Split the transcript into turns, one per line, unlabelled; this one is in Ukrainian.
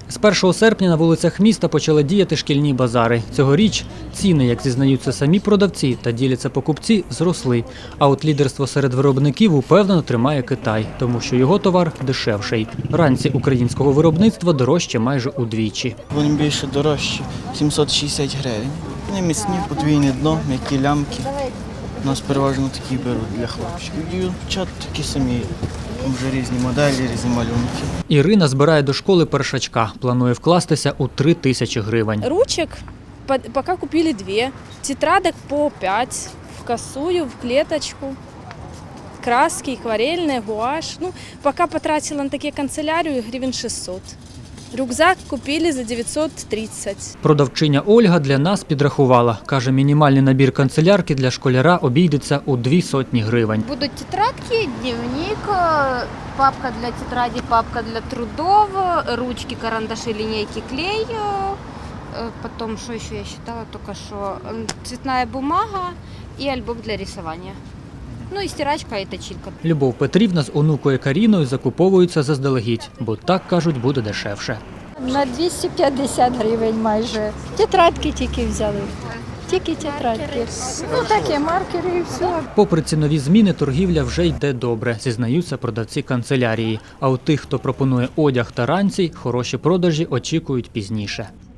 З 1 серпня на вулицях міста почали діяти шкільні базари. Цьогоріч ціни, як зізнаються самі продавці та діляться покупці, зросли. А от лідерство серед виробників упевнено тримає Китай, тому що його товар дешевший. Ранці українського виробництва дорожче майже удвічі.
Вони більше дорожчі, 760 гривень. Вони міцні, подвійне дно, м'які лямки. У нас переважно такі беруть для хлопчиків. Дівчат такі самі. Там вже різні моделі, різні малюнки.
Ірина збирає до школи першачка. Планує вкластися у 3000 гривень.
Ручек пока купили 2, тетрадок по 5, в косую, в клеточку, краски, акварельные, гуашь. Ну, пока потратила на такие канцелярию гривен 600. Рюкзак купили за 930.
Продавчиня Ольга для нас підрахувала. Каже, мінімальний набір канцелярки для школяра обійдеться у 200 гривень.
Будут тетрадки, дневник, папка для тетради, папка для трудов, ручки, карандаши, линейки, клей. Потом, что еще я считала только что, цветная бумага и альбом для рисования. Ну і стирачка і точилка.
Любов Петрівна з онукою Каріною закуповуються заздалегідь, бо так, кажуть, буде дешевше.
На 250 гривень майже. Тетрадки тільки взяли. Тільки тетрадки. Ну такі маркери і все.
Попри цінові зміни, торгівля вже йде добре, зізнаються продавці канцелярії. А у тих, хто пропонує одяг та ранці, хороші продажі очікують пізніше.